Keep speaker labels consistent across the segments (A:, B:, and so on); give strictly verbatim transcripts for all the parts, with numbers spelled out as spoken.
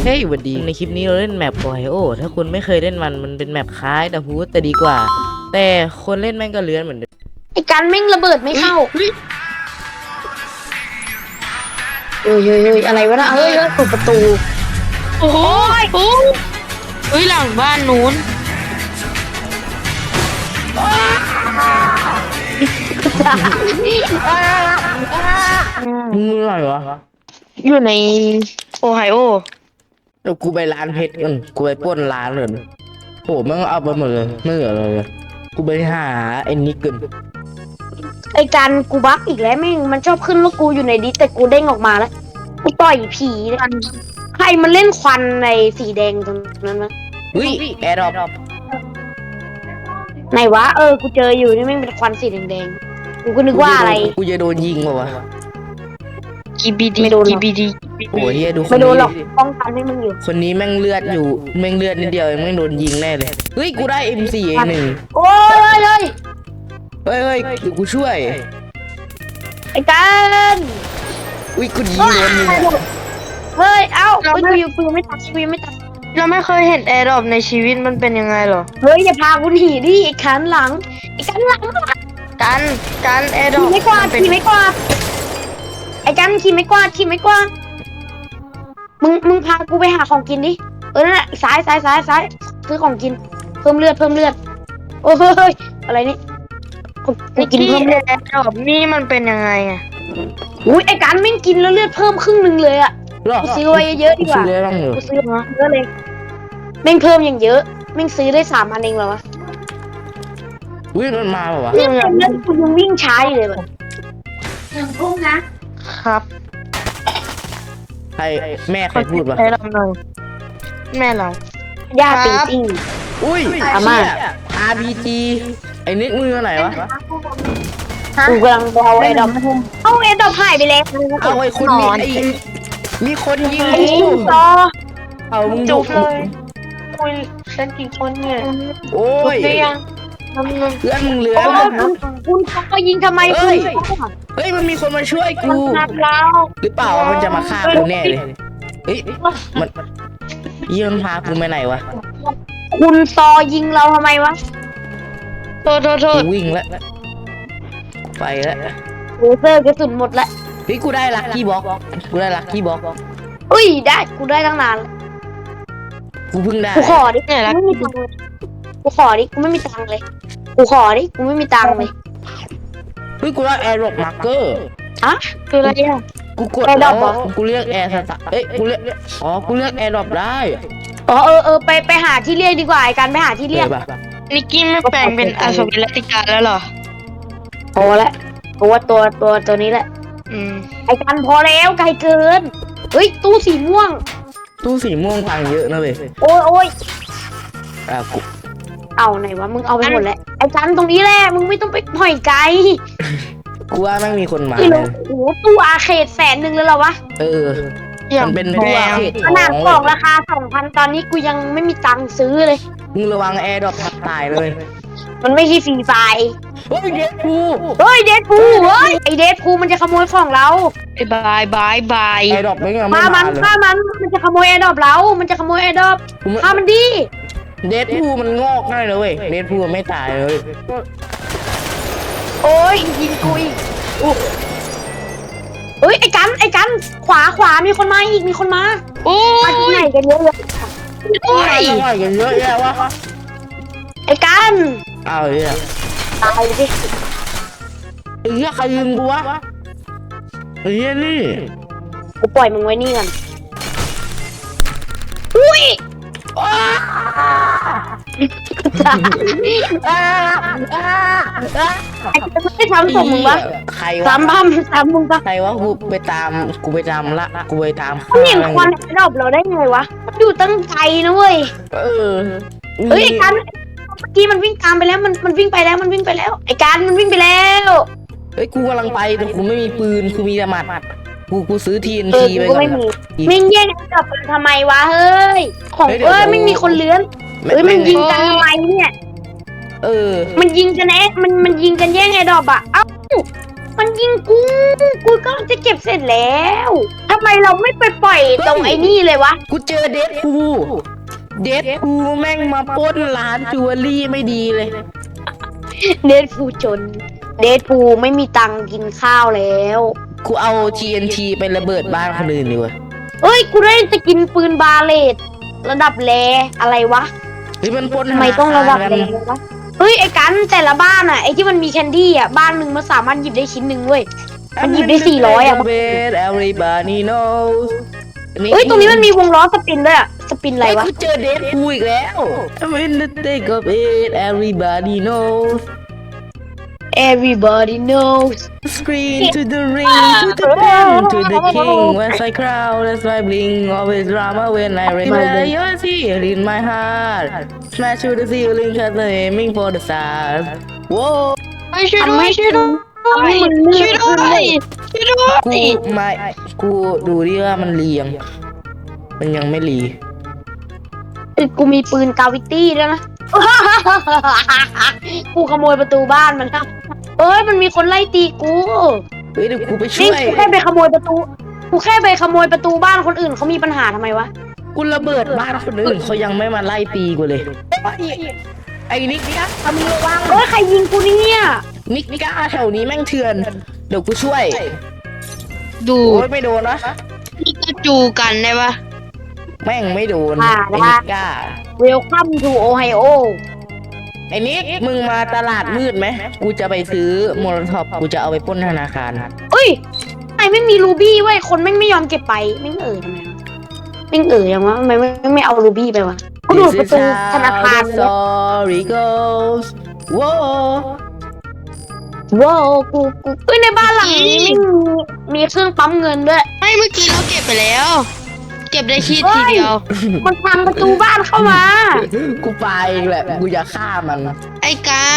A: เฮ้ยวันดีในคลิปนี้เราเล่นแมปโอไฮโอถ้าคุณไม่เคยเล่นมันมันเป็นแมปคล้ายแต่ฮูดแต่ดีกว่า แต่คนเล่นแม่งก็เลื้อนเหมือนเดิม
B: ไอ้การแม่งระเบิดไม่เข้าเฮ้ยเฮ้ยเฮ้ยอะไรวะนะเฮ้ยเฮ้ยเปิดประตู
C: โอ้โหโอ้เฮ้ยหลังบ้านนู้น
A: มึงอะไรวะ
C: อยู่ในโอไฮโอ
A: เดี๋ยวกูไปร้านเพชรกันกูไปปล้นร้านเลยโหแม่งเอาไปหมดเลยไม่เหลือเลยกูไปหาไอ้นิกกัน
B: ไอ้การกูบั๊กอีกแล้วแม่งมันชอบขึ้นว่ากูอยู่ในดิสแต่กูเด้งออกมาแล้วกูต่อยผีกันใครมันเล่นควันในสีแดงตรงนั้นวะ
A: เฮ้ยแอร์ดรอป
B: ไหนวะเออกูเจออยู่นี่แม่งเป็นควันสีแดงๆกูก็นึกว่าอะไร
A: กูจะโดนยิงป่าวะ
C: กีบีดีกีบีดี
A: โอ้ยเฮียดูคน
B: ไม่โด
A: นี้
B: นหรอกป้องกันให้มึงอยู่
A: คนนี้แม่งเลือดอยู่แม่งเลือดนิดเดียวแม่งโดนยิงแน่เลยเฮ้ยกูได้ เอ็ม โฟร์ เอ หนึ่ง
B: โอ้ยเฮ้ย
A: เฮ้ยเฮ้ยเดี๋ยวกูช่วย
B: ไอ้การ
A: อุ้ยกูยิงโดนมึง
B: เฮ้ยเอ้ากูอยู่กูไม่ตัดกูไม่ตัด
C: เราไม่เคยเห็นแอร์ดรอปในชีวิตมันเป็นยังไงหรอ
B: เฮ้ยอย่าพากูหนีดิไอ้ขันหลังไอ้ขันหลัง
C: กันกันแอร์ดรอป
B: ขี่ไม่กวาดขี่ไม่กวาดไอ้กันขี่ไม่กวาดขี่ไม่กวาดมึงมึงพากูไปหาของกินดิเออนั่นแหละซ้ายซ้ายซ้ายซ้ายซื้อของกินเพิ่มเลือดเพิ่มเลือดโอ้ยอะไรนี่
C: กูกินเพิ่มเลือดแอร์ดรอปนี่มันเป็นยังไงอ่ะ
B: อุ้ยไอ้กันไม่กินแล้วเลือดเพิ่มครึ่งนึงเลยอ่ะกูซื้อไว้เยอะๆดีกว่ากูซื้อมาเยอะเลยแม่งเพิ่มอย่างเยอะแม่งซื้อได้สามพันเองเหรอวะ
A: อุ้ยมันมาป่าวะ
B: เนี่ยเล่นกูยังวิ่งช้าอยู่เลยแบบอย่างพุ่งนะครับ
A: ใครแม่ใครพูดวะ
C: แม่เราแม่เรา
B: ย่าตีติ้ง
A: อุ้ยอาม่า อาร์ พี จี ไอ้นิดมือไหนวะ
B: กูกำลังเอาไอ้ดอกเอาไอ้ดอกหายไปแล้ว
A: เอาไอ้คนนี้ไอ้มีคนยิงกู
B: ต่อ
A: เอามึง
C: จุกเลยคุยฉันกี่คนเนี่ย
A: โอ้ยเพื่อนมึงเหลือ
B: คุณคุณก็ยิงทำไมคุณ
A: เฮ้ยมันมีคนมาช่วยกูหรือเปล่ามันจะมาฆ่ากูแน่เลยเฮ้ยมันยี่มันพากูไปไหนวะ
B: คุณซอยิงเราทำไมวะ
C: โทษโทษโทษ
A: วิ่งแล้วไปแล้ว
B: โรเซอร์กระสุนหมดแล้ว
A: เฮ้ยกูได้ลัคกี้บ็อกกูได้ลัคกี้บ็อก
B: อุ้ยได้กูได้ตั้งนาน
A: กูเพิ่งได้
B: กูขอดิไม่มีตังค์กูขอดิกูไม่มีตังค์เลยกูขอดิกูไม่มีตังค์เลย
A: เฮ้ยกูได้แอร์ดรอปมาร์เกอร์
B: อะคืออะไรอ่ะ
A: กูกดแล้วกูเรียกแอร์สตาร์เอ้ยกูเรียกอ๋อกูเรียกแอร์ดรอปได้
B: อ๋อเออเออไปไปหาที่เรียกดีกว่าไอ้การไปหาที่เรียก
C: นิกกี้ไม่แปลงเป็นอาสวิรัติกาแล้วหรอ
B: พอแล้วเพราะว่าตัวตัวตัวนี้แหละ
C: อืม
B: ไอ้การพอแล้วไกลเกินเฮ้ยตู้สีม่วง
A: ตู้สีม่วงพังเยอะนะเว้ย
B: โอ้ยโอ้ย
A: อ่ะกู
B: เอาไหนวะมึงเอาไปหมดแล้วไอ้การตรงนี้แหละมึงไม่ต้องไปปล่อยไกล
A: กูว่าไม่มีคนมา
B: เลยโอ้โหตู้อาเขตแสนหนึ่งเลยเหรอวะ
A: เออมันเป็นตู้อาเขต
B: ขนาดบอกราคาสองพันตอนนี้กูยังไม่มีตังค์ซื้อเลย
A: มึงระวังแอร์ดรอปทับตายเลย
B: มันไม่ใช่ฟรีไฟ
A: เฮ้ยเดดพู
B: เฮ้ยเดดพูเฮ้ยไอเดดพูมันจะขโมยของเรา
C: บายบายบาย
A: แอร์ดรอปไม่งั้น
B: ฆ่ามันฆ่ามันมันจะขโมยแอร์ดรอปเรามันจะขโมยแอร์ดรอปฆ่ามันดิ
A: เดดพูมันงอกง่ายเลยเว้ยเดดพูไม่ตายเลย
B: โอ้ยยิงกูอีกเฮ้ยไอ้กันไอ้กันขวาขวามีคนมาอีกมีคนมา
C: โอ้ย
B: ไหนกันเยอะเลย
A: โอ้ยกันเยอะแยะวะ
B: ไอ้กัน
A: เอาเลย
B: ตายไปดิ
A: ไอ้เหี้ยใครยิงกูวะไอ้เหี้ยนี่
B: กูปล่อยมึงไว้นี่ก่อนอุ้ยไอ้จะไม่ทำส่งมึงวะ
A: ใคร
B: วะสามพันสามมึงปะ
A: ใครวะกูไปตามกูไปตามละกูไปตาม
B: เขาเห็นควันดอกเราได้ไงวะอยู่ตั้งใจนะเว้ย
A: เออ
B: เฮ้ยกันเมื่อกี้มันวิ่งตามไปแล้วมันมันวิ่งไปแล้วมันวิ่งไปแล้วไอ้การมันวิ่งไปแล้ว
A: เฮ้ยกูกำลังไปแต่กูไม่มีปืนกูมีแต่หมัดกูกูซื้อทีนทีไป
B: ก่อนไม่มีไม่แย่งกับทำไมวะเฮ้ยของเอ้ยไม่มีคนเลื้อนเฮ้ยมันยิงกันทำไมเนี่ย
A: เออ
B: มันยิงกันแอ๊ะมันมันยิงกันแย่งไอ้ดอกอะเอ้ามันยิงกูกูก็จะเก็บเสร็จแล้วทำไมเราไม่ไปปล่อยตรงไอ้นี่เลยวะ
A: กูเจอเดดพูเดดพูแม่งมาปล้นร้านจิวเวลรี่ไม่ดีเลย
B: เดดพูจน เดดพูไม่มีตังค์กินข้าวแล้ว
A: กูเอา ที เอ็น ที ไประเบิดบ้านคนอื่นดีกว่า
B: เอ้ยกูได้จะกินปืนบาเลตระดับแรอะไรวะ
A: เฮ้ยมันปล้น
B: ทำไมต้องระดับแรวะเฮ้ยไอ้กันแต่ละบ้านอ่ะไอ้ที่มันมีแคนดี้อ่ะบ้านหนึ่งมันสามารถหยิบได้ชิ้นหนึ่งเว้ย มันหยิบได้สี่ร้อยอ่ะ
A: everybody knows
B: เฮ้ยตรงนี้มันมีวงล้อสปินด้วยอ่ะสปินอะไร
A: เฮ้ยว
B: ะ
A: กูเจอเดดพูอีกแล้ว I'm in the thick of it everybody knows
B: Everybody knows
A: Screen to the ring, to the pen, to the king. Once I crowd, that's my bling. Always drama when I remember you're here in my heart. Smash to the ceiling, cause I'm aiming for the stars. Whoa,
C: เฮ้ยช่วยด้วยช่วยด้วยช่วยด้วยช่วยด้วย
A: กูไม่กูดูดิว่ามันเรียง มันยังไม่รี
B: เอ้ยกูมีปืนกาวิตี้ด้วยนะ กูขโมยประตูบ้านมันครับเอ้ยมันมีคนไล่ตีกู
A: เฮ้ยเดี๋ยวกูไป
B: นี่
A: ช่วย
B: กูแค่ไปขโมยประตู กูแค่ไปขโมยประตูบ้านคนอื่นเขามีปัญหาทำไมวะ
A: กูระเบิดบ้านคนอื่นเขายังไม่มาไล่ตีกูเลย ไอ้นิกก้าทำมึงระวัง
B: เอ้ยใครยิงกูเนี่ย
A: นิกก้าแถวนี้แม่งเถื่อน เดี๋ยวกูช่วย
C: ดู
A: โอ้ยไม่โดนนะ
C: นี่ก็จูกันได้ปะ
A: แม่งไม่โดน
B: อ่า
A: ไอ้นิกก้า
B: Welcome to Ohio
A: ไอ้นิกมึงมาตลาดมืดไหมกูจะไปซื้อโมโลท็อปกูจะเอาไปปล้นธนาคาร
B: เอ้ยไอไม่มีรูบี้เว้ยคนแม่งไม่ยอมเก็บไปแม่งเอ่ยทำไมวะแม่งเอ่ยยังวะทำไมไม่ไม่เอารูบี้ไปวะกูดูดประตูธนาคาร
A: This is
B: เลย
A: how the story goes ว้าว
B: ว้าวกูกูเอ้ยในบ้านหลังนี้ไม่มีมีเครื่องปั๊มเงินด้วย
C: ไม่เมื่อกี้เราเก็บไปแล้ว เก็บได้ชีดทีเดียว
B: มันพังประตูบ้านเข้ามา
A: กูไปเองแหละกูจะฆ่ามัน
C: ไอ้การ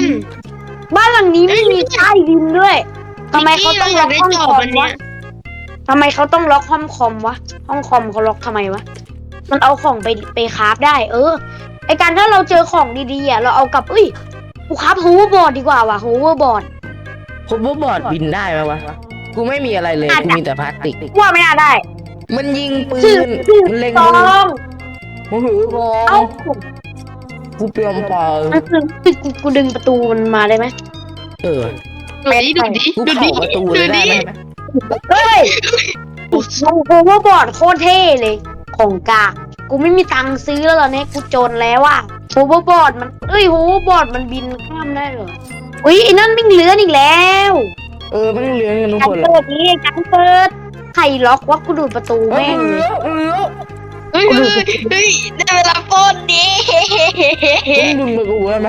B: บ้านหลังนี้ไม่มีใต้ดินด้วยทำไมเขาต้องล็อกห้องคอมวะทำไมเขาต้องล็อกห้องคอมวะห้องคอมเขาล็อกทำไมวะมันเอาของไปไปคราฟได้ เออไอการถ้าเราเจอของดีๆอ่ะเราเอากลับเอ้ยกูคราฟฮูเวอร์บอร์ดดีกว่าว่ะฮูเวอร์บอร์ด
A: ผมว่าบอร์ดบินได้ไหมวะ กูไม่มีอะไรเลย กูมีแต่พลาสติก
B: ว่าไม่น่าได้
A: มันยิงปื
B: ชื่อน ชื่อ
A: มันเล็ง
B: ซ
A: มื
B: อ
A: อง โอ้โหบอ
B: เอ้า
A: ลกูเปลี่ยนเปล่า
B: มันคือคือกูกูดึงประตูมันมาได้ไหม
A: เออ
C: ดูดิดูดิ
A: กู
C: ดู
A: เผา
C: ดิ
A: ประตู
C: ดู
A: เลยได้
C: ดิ
A: ไหม
B: เฮ้ยฮูเวอร์บอร์ดโคตรเท่เลยของกากกูไม่มีตังค์ซื้อแล้วตอนนี้กูจนแล้วอ่ะฮูเวอร์บอร์ดมันเอ้ยฮูเวอร์บอร์ดมันบินข้ามได้เหรออุ้ยไอ้นั่นวิ่งเลื้อนอีกแล้ว
A: เออมันเลี้ยงกันทุก
B: การ
A: คนเลย
B: เปิดนี้การเปิดใครล็อกวะกูดูดประตู
A: เอ
B: แม่งเลย
A: อเออ
C: เฮ้ยเฮ้ยเฮ้ยได้เวลาปล้นดิ
A: มึงดึงมากูได้ไหม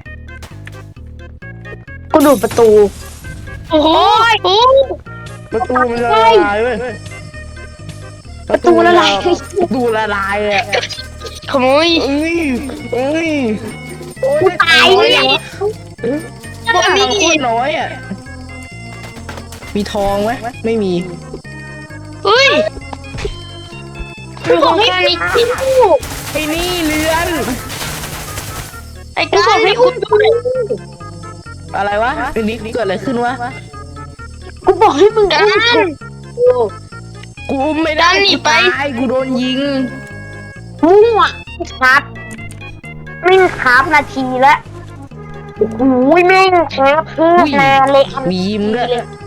B: กูดูดประตู
C: โอ้โหโอ้
A: ประตูมันละลายเว้ย
B: ประตูละลาย
A: ประตูละลายอ่ะ
C: ขโมย
A: เอ้ยเอ้ยโอ้
B: กูตายเนี่ย
A: พวกนี้โคตรน้อยอ่ะ มีทองไหมไม่มี
C: เฮ้ย
B: กูบอกให้ปิดที่กู
A: ไอ้นี่เรือน
C: ไอ้
B: กู
C: การ
B: บอกให้
C: ไม่
B: อุ
C: อุ้
B: ด
C: ม
B: ด้วย
A: อะไรวะไอ้นี่เกิดอะไรขึ้นวะ
B: กูบอกให้มึง
C: กา
B: อุ้ม
C: ร
B: กู
A: กูอุ้มไม่ได้
C: ดันหนีไป
A: กูตายกูโดนยิง
B: มั่วครับมิ่งครับนาทีละโอ้โหแม่งครับเพื่อนานเลยอัน
A: มียิ้มด้วย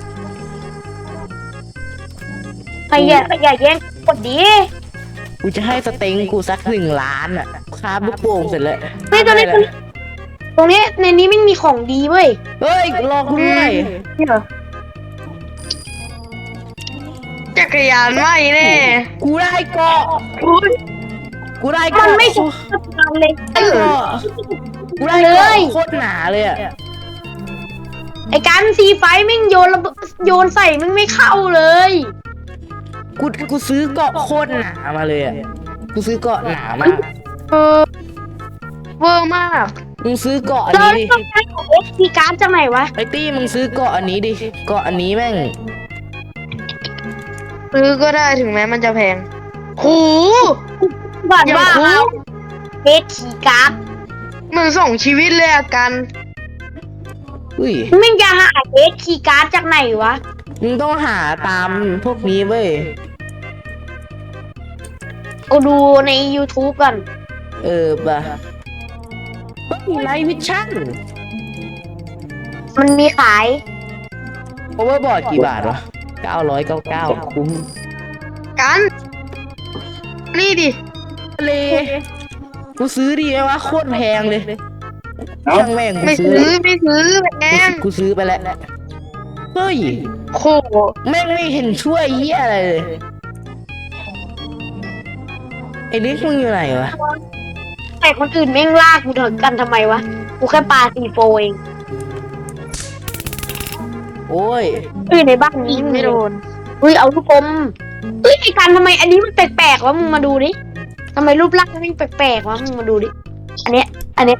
B: ใครอย่าอย่าแย่งกดดี
A: กูจะให้สเต็งกูสักหนึ่งล้านอ่ะคาบลูกโป่งเสร็จแล้ว
B: ไม่ตรงนี้ตรงนี้ในนี้ไม่มีของดีเว้ย
A: เฮ้ยรอกูด้วย
B: นี่เหรอ
C: จักรยานไม่แน่
A: กูได้เกาะ
C: อุ้ย
A: กูได้
B: มัน
A: เกาะ
B: ไม่สมควรเลย
A: ได้เกาะกูได้
B: เล
A: เกาะ
B: ย
A: โคตรหนาเลยอ่ะ
B: ไอ้การซีไฟแม่งโยนระเบิดโยนใส่แม่งไม่เข้าเลย
A: กูกูซื้อเกาะโคตรหนามาเลยอ่ะกูซื้อเกาะหนามาก
B: เออ
C: เวอร์มาก
A: มึงซื้อเกาะอัน
B: เรา
A: นี้ดิ
B: ต้องใช้ของเอ็กซ์พีการ์ดจากไหนวะ
A: ไอ้ตี้มึงซื้อเกาะอันนี้ดิเกาะอันนี้แม่ง
C: ซื้อก็ได้ถึงแม้มันจะแพงโห
B: ก่อน
C: อย่าง
B: ว่า
C: คุ้ม
B: เอ็กซ์พีการ์ด
C: มึงส่งชีวิตเลยอะกัน
A: อุ้ย
B: มึงจะหาเอสคีย์การ์ดจากไหนวะ
A: มึงต้องหาตามพวกนี้เว้ย
B: กูดูใน YouTube ก่อน
A: เออป่ะไลท์วิชั่น
B: มันมีขาย
A: โอเวอร์บอร์ดกี่บาทวะเก้าร้อยเก้าเก้าคุ้ม
C: กันนี่ดิ
A: เลยกูซื้อดีไหมวะโคตรแพงเลยช่างแม่งกู
C: ไม่
A: ซื้อ
C: ซื้อไม่ซื้อแพง
A: กูซื้อไปแล้วเฮ้ย
C: โค
A: แม่งไม่เห็นช่วยเหี้ยอะไรเลยไอ้นิกมึงอยู่ไหนวะ
B: แต่คนอื่นแม่งลากกูถึงกันทำไมวะ กูแค่ปาซีโฟเอง
A: โอ้ย
B: เอ้ยในบ้านนี้
C: ยิงไม่โดน
B: เฮ้ยเอาลูกอมเฮ้ยไอ้กันทำไมอันนี้มันแปลกๆวะมึงมาดูดิทำไมรูปร่างมันแปลกๆวะมึงมาดูดิ อันเนี้ย อันเนี้ย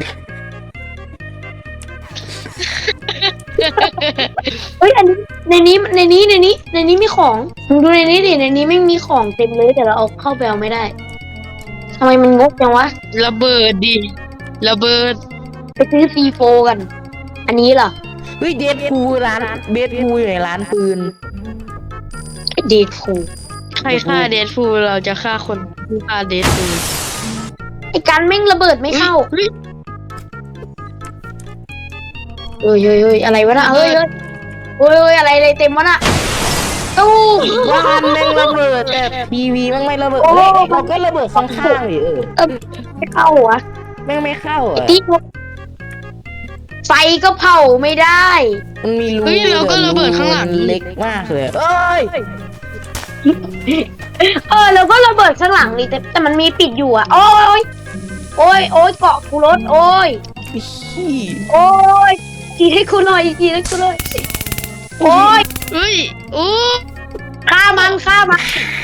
B: เฮ้ยอันนี้ในนี้ในนี้ในนี้ในนี้มีของมึงดูในนี้ดิในนี้ไม่มีของเต็มเลยแต่เราเอาเข้าไปเอาไม่ได้ทำไมมันงกจังวะ
C: ระเบิดดิระเบิด
B: ไปซื้อซีโฟกัน อันนี้เหรอ
A: เฮ้ยเดดพูลร้านเบดพูลอยู่ในร้านปืน
B: เดดฟู
C: ใครฆ่าเดดฟูลเราจะฆ่าคนที่ฆ่าเดดฟูล
B: ไอ้กันแม่งระเบิดไม่เข้า
C: เฮ้ย
B: เฮ้ยเฮ้ยเฮ้ยอะไรวะน่ะเฮ้ยเฮ้ยเฮ้ยเฮ้ยอะไรอะไรเต็มวะน่ะตู้
A: บ้านแม่งระเบิดแต่ทีวีแม่งไม่ระเบิด
B: โอ้
A: เฮ้ยเราก็ระเบิดข้างๆดิเออ
B: เออไม่เข้าหัว
A: แม่งไม่เข้าอ่ะ
B: ที่ไฟก็เผาไม่ได้
A: มันมีรู
C: เฮ้ยเราก็ระเบิดข้างหลัง
A: เล็กมากเลยเอ้ย
B: เออแล้วก็ระเบิดข้างหลังนี่แต่แต่มันมีปิดอยู่อ่ะโอ้ยโอ้ยโอ้ยเกาะกูรถโอ้ย
A: ขี้
B: โอ้ยกีให้กูหน่อยกีให้กูหน่อยโอ้ย
C: เฮ้ยโอ้
B: ฆ่ามันฆ่ามัน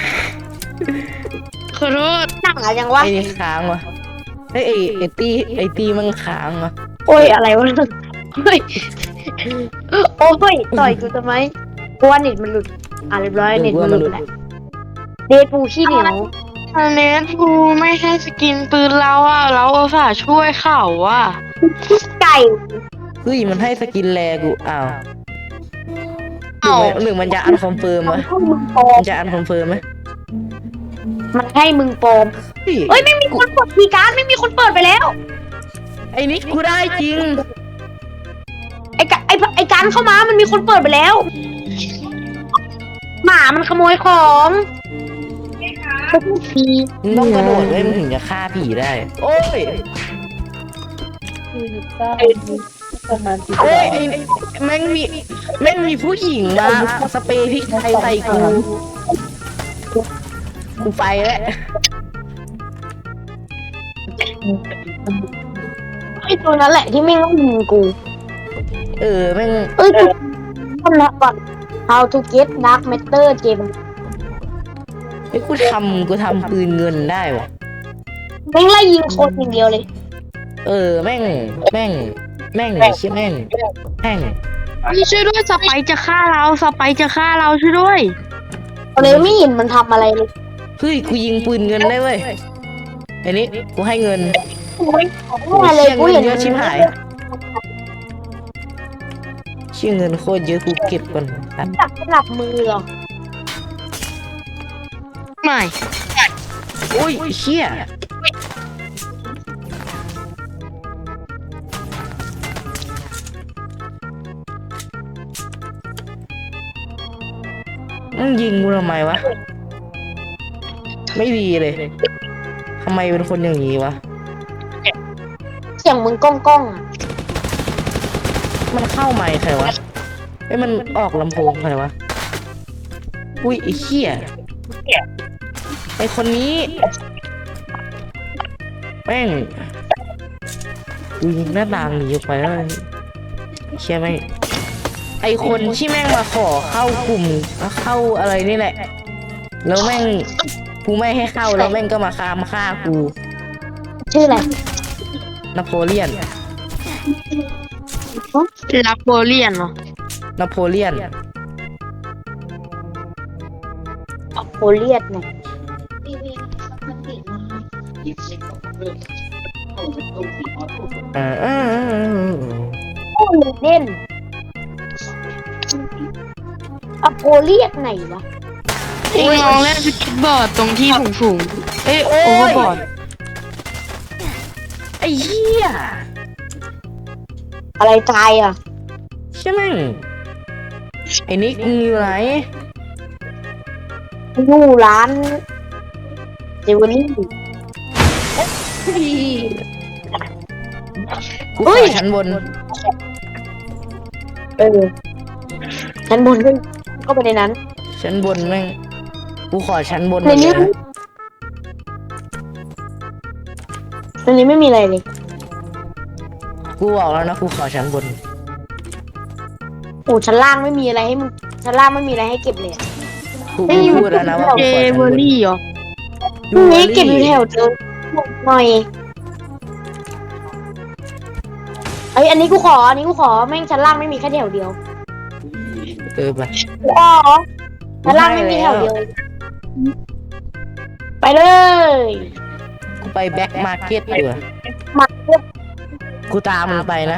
C: ขอโทษ
B: หนังอะไรยังวะ
A: ไอ้นี่ค้างวะไอ้ยไอ้ไอ้ตีไอ้ตีมันค้างวะ
B: โอ้ยอะไรวะโอ้ยโอ้ยต่อยกูทำไมกูว่าเน็ตมันหลุดอ่ะเรียบร้อยเน็ตมันหลุดแล้วเดทปูขี้เหนียว
C: เดดฟูลไม่ให้สกินปืนเราอ่ะเราอุตส่าห์ช่วยเขาอ่ะ
B: ไก่
A: เฮ้ยมันให้สกินแลกูอ้าว
C: เอ้า
A: หรือมันจะอันคอนเฟิร์มวะ
B: ให้มึงปลอม
A: มันจะอันคอนเฟิร์มไหม
B: มันให้มึงปลอม
A: เฮ้ย
B: เอ้ยไม่มีคนเปิดคีย์การ์ดไม่มีคนเปิดไปแล้ว
A: ไอ้นิกกูได้จริง
B: ไอ้กะไอ้ไอ้การเข้ามามันมีคนเปิดไปแล้ว หมามันขโมยของพวกผี
A: มึงต้องกระโดดไว้มึงถึงจะฆ่าผีได้ โอ้ยเฮ้ยไอ้แม่งมีแม่งมีผู้หญิงมาสเปรย์พริกไทยใส่กู กูไปแล้ว
B: ไอ้ตัวนั้นแหละที่ไม่งต้องยิงกู
A: เออแม่ง
B: เอ้ยคนละก่อน how to get dark matter เกม
A: ไอ้ยกูทำกูทำปืนเงินได้วะ
B: แม่งไล่ยิงคนอย่างเดียวเลย
A: เออแม่งแม่งแม่งชิแม่งแม่ง
C: พี่ช่วยด้วยสไปร์จะฆ่าเราสไปร์จะฆ่าเราช่วยด้วย
B: เลยไม่เห็นมันทำอะไรเลย
A: เฮ้ยกูยิงปืนเงินได้เว้ยไอ้นี่กูให้เงิน
B: โอ้ย
A: โอ้
B: ไม่
A: ย
B: เลย
A: เชี่ย
B: กู
A: เงิ
B: เห็
A: น
B: น
A: เยอะชิบหายเชี่ยเงินโคตรเยอะกูเก็บก่อนครับ
B: จับสลับมือเหรอ
C: ไม่
A: โอ้ยเชี่ยมึงยิงกูทำไมวะ ไม่ดีเลยทำไมเป็นคนอย่างนี้วะ
B: เสียงมึงก้องก้องๆอะ
A: มันเข้าไมค์ใครวะไอ้ยมันออกลำโพงใครวะ อุ้ยไอ้เหี้ยไอ้คนนี้แม่งกูยิงหน้าต่างหนีออกไปแล้วเชี่ยไหมงไอคนที่แม่งมาขอเข้ากลุ่มเข้าอะไรนี่แหละ แล้วแม่งกูไม่ให้เข้าแล้วแม่งก็มาฆ่ามาฆ่ากู
B: ชื่ออะไร
A: นโปเลียน
C: รับโบเลียนเหรอน
A: โปเลียน
B: โอเลียดเนี่ย
A: เออเออเออ
B: เด่นอโพเรียกไหนวะ
C: เองลองเล่นสเก็ตบอร์ดตรงที่สูง
A: เอ้ยโอ้
C: ๆโอเวอย ร์บอร์ด
A: ไอ้เหี้ย
B: อะไรตายอ่ะ
A: ใช่ไหมงไอ้นิกมึงอยู่ไหน
B: อยู่ร้านเจวเวลรี่
A: กูขอชั้นบน
B: เออชั้นบนก็ก็ไปในนั้น
A: ชั้นบนแม่งกูขอชั้นบน
B: ในนี้
A: เลยนะ
B: ในนี้ไม่มีอะไรเลย
A: กูบอกแล้วนะกูขอชั้นบน
B: โอ้ชั้นล่างไม่มีอะไรให้มึงชั้นล่างไม่มีอะไรให้เก็บเลยอะ
A: กู
B: ไม่
A: กู
B: อยู่
A: พูดแล้วนะว่ากู
C: เจ
A: ขอชั้น
C: เวอบ
A: น
C: รี่เหรอ
B: พรุ่งนี้เก็บอยู่แถวเดิมหน่อยไอยอันนี้กูขออันนี้กูขอแม่งชั้นล่างไม่มีแค่แถวเดียว
A: เออไป
B: กูขอชั้นล่างไม่มีแถวเดียว ไปเลย
A: กูไปแบ็คมาร์เก็ตดีกว่า
B: มาเก็บ
A: กูตามมึงไปนะ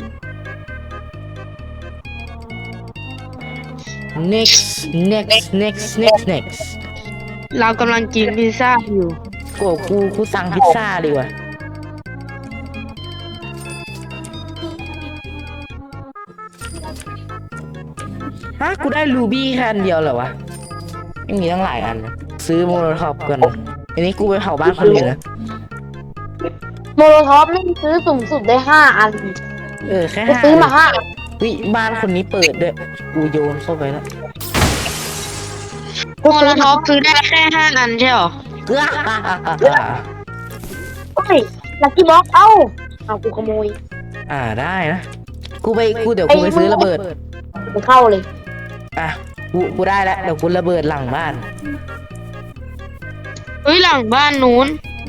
A: next next next next next
C: เรากำลังกินพิซซ่าอยู่
A: กูกูกูสั่งพิซซ่าดีกว่าฮะกูได้รูบี้แค่อันเดียวเหรอวะไม่มีตั้งหลายอันนะซื้อโมโนท็อปก่อนอันนี้กูไปเผาบ้านคนอื่นนะ
B: โมโลท็อปไม่ซื้อสูงสุดได้ห้าอัน
A: เออแค่
B: กู
A: ห้า
B: ซื้อมาห้าอัน
A: วิบ้านคนนี้เปิดด้วยกูโยนเข้าไปแล้ว
B: กู
C: โม
B: ซื้
C: โล
B: อ
C: ท็อปซื้อได้แค่ห้าอันใช่เหรอ
A: เกลือ
B: โอ้ยลักกี้บ็อกเอ้าเอากูขโมย
A: อ่าได้นะกูไปกูเดี๋ยวกูไปซื้อระเบิด
B: ไปเข้าเลย
A: อ่ะกูกูได้แล้วเดี๋ยวกูระเบิดหลังบ้าน
C: เฮ้ยหลังบ้านนู้น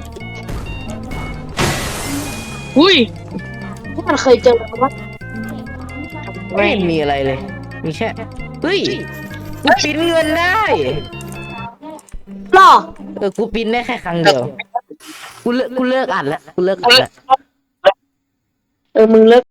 C: อุ้ย
B: ที่มันเคยเจอกันว่า
A: ไม่เห็นมีอะไรเลย มีแค่เฮ้ยกูปริ้นเงินได้
B: หรอ
A: เออกูปริ้นได้แค่ครั้งเดียวกูเลิกกูเลิกอ่านแล้วกูเลิกอ่านแล้ว
B: เออมึงเลิก